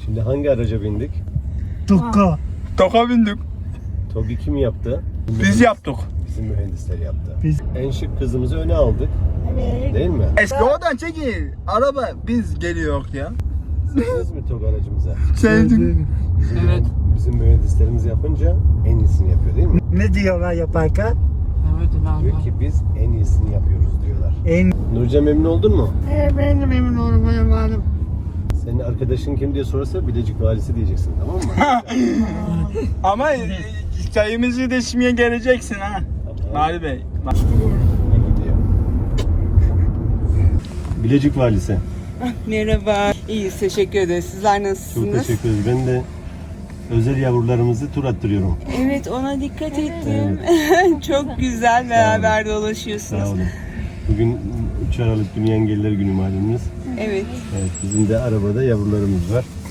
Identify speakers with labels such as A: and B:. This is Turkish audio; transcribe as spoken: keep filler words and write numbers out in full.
A: Şimdi hangi araca bindik?
B: Tukka.
C: Toka bindik.
A: TOG'u kim yaptı?
C: Biz yaptık.
A: Bizim mühendisler yaptı.
B: Biz.
A: En şık kızımızı öne aldık. Değil mi?
C: Eski oradan çekil. Araba biz geliyor ya.
A: Sevdiniz mi TOG aracımıza?
C: Sevdik.
A: Bizim,
D: Evet.
A: bizim mühendislerimiz yapınca en iyisini yapıyor değil mi?
B: Ne diyorlar yaparken?
D: Evet
A: Diyor
D: valla.
A: ki biz en iyisini yapıyoruz diyorlar.
B: En
A: Nurcan memnun oldun mu?
D: Ben de memnun olurum efendim.
A: Senin arkadaşın kim diye sorarsa Bilecik valisi diyeceksin, tamam mı?
C: Ama e, çayımızı da içmeye geleceksin ha. Mali Bey. Bak.
A: İyi gidiyor. Bilecik valisi.
E: Merhaba. İyiyiz, teşekkür ederiz. Sizler
A: Çok
E: nasılsınız?
A: teşekkür ederiz. Ben de özel yavrularımızı tur attırıyorum.
E: Evet, ona dikkat ettim. Çok güzel, beraber dolaşıyorsunuz.
A: Sağ olun. Bugün üç Aralık Dünya Engelliler Günü malumunuz.
E: Evet.
A: Evet, bizim de arabada yavrularımız var.